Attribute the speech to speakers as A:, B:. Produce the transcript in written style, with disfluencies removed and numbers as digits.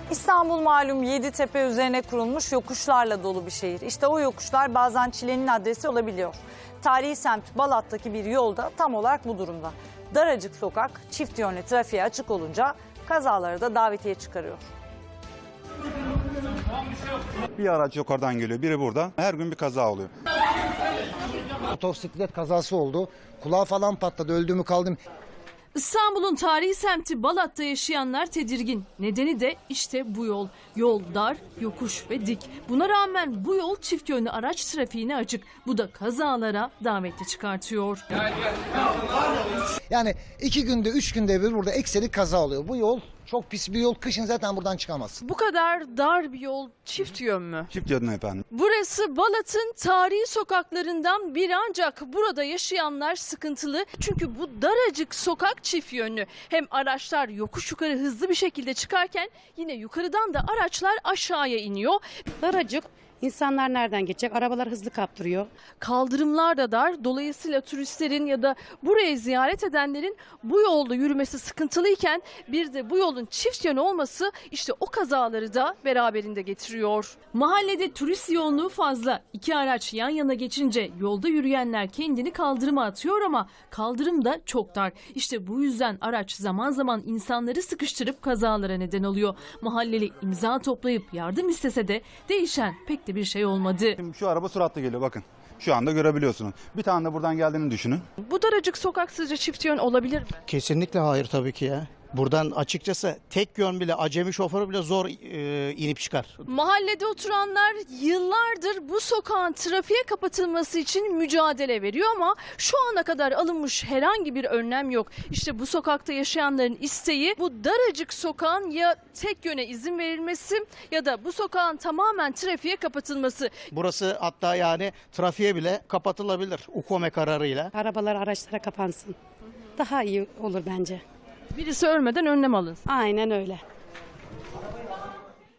A: İstanbul malum Yeditepe üzerine kurulmuş yokuşlarla dolu bir şehir. İşte o yokuşlar bazen çilenin adresi olabiliyor. Tarihi semt Balat'taki bir yolda tam olarak bu durumda. Daracık sokak çift yönlü trafiğe açık olunca kazaları da davetiye çıkarıyor.
B: Bir araç yukarıdan geliyor, biri burada. Her gün bir kaza oluyor.
C: Motosiklet kazası oldu. Kulağı falan patladı. Öldü mü kaldım.
D: İstanbul'un tarihi semti Balat'ta yaşayanlar tedirgin. Nedeni de işte bu yol. Yol dar, yokuş ve dik. Buna rağmen bu yol çift yönlü araç trafiğine açık. Bu da kazalara daveti çıkartıyor.
C: Yani 2 günde 3 günde bir burada ekseri kaza oluyor. Bu yol çok pis bir yol. Kışın zaten buradan çıkamazsın.
D: Bu kadar dar bir yol çift yön mü?
B: Çift yönlü efendim.
D: Burası Balat'ın tarihi sokaklarından biri ancak burada yaşayanlar sıkıntılı. Çünkü bu daracık sokak çift yönlü. Hem araçlar yokuş yukarı hızlı bir şekilde çıkarken yine yukarıdan da araçlar aşağıya iniyor.
E: Daracık. İnsanlar nereden geçecek? Arabalar hızlı kaptırıyor.
D: Kaldırımlar da dar. Dolayısıyla turistlerin ya da burayı ziyaret edenlerin bu yolda yürümesi sıkıntılıyken bir de bu yolun çift yönü olması işte o kazaları da beraberinde getiriyor. Mahallede turist yoğunluğu fazla. 2 araç yan yana geçince yolda yürüyenler kendini kaldırıma atıyor ama kaldırım da çok dar. İşte bu yüzden araç zaman zaman insanları sıkıştırıp kazalara neden oluyor. Mahalleli imza toplayıp yardım istese de değişen pek de bir şey olmadı.
B: Şimdi şu araba süratli geliyor, bakın. Şu anda görebiliyorsunuz. Bir tane de buradan geldiğini düşünün.
D: Bu daracık sokak sizce çift yön olabilir mi?
F: Kesinlikle hayır tabii ki ya. Buradan açıkçası tek yön bile, acemi şoförü bile zor inip çıkar.
D: Mahallede oturanlar yıllardır bu sokağın trafiğe kapatılması için mücadele veriyor ama şu ana kadar alınmış herhangi bir önlem yok. İşte bu sokakta yaşayanların isteği bu daracık sokağın ya tek yöne izin verilmesi ya da bu sokağın tamamen trafiğe kapatılması.
F: Burası hatta yani trafiğe bile kapatılabilir UKOME kararıyla.
E: Arabalar araçlara kapansın. Daha iyi olur bence.
D: Birisi ölmeden önlem alınsın.
E: Aynen öyle.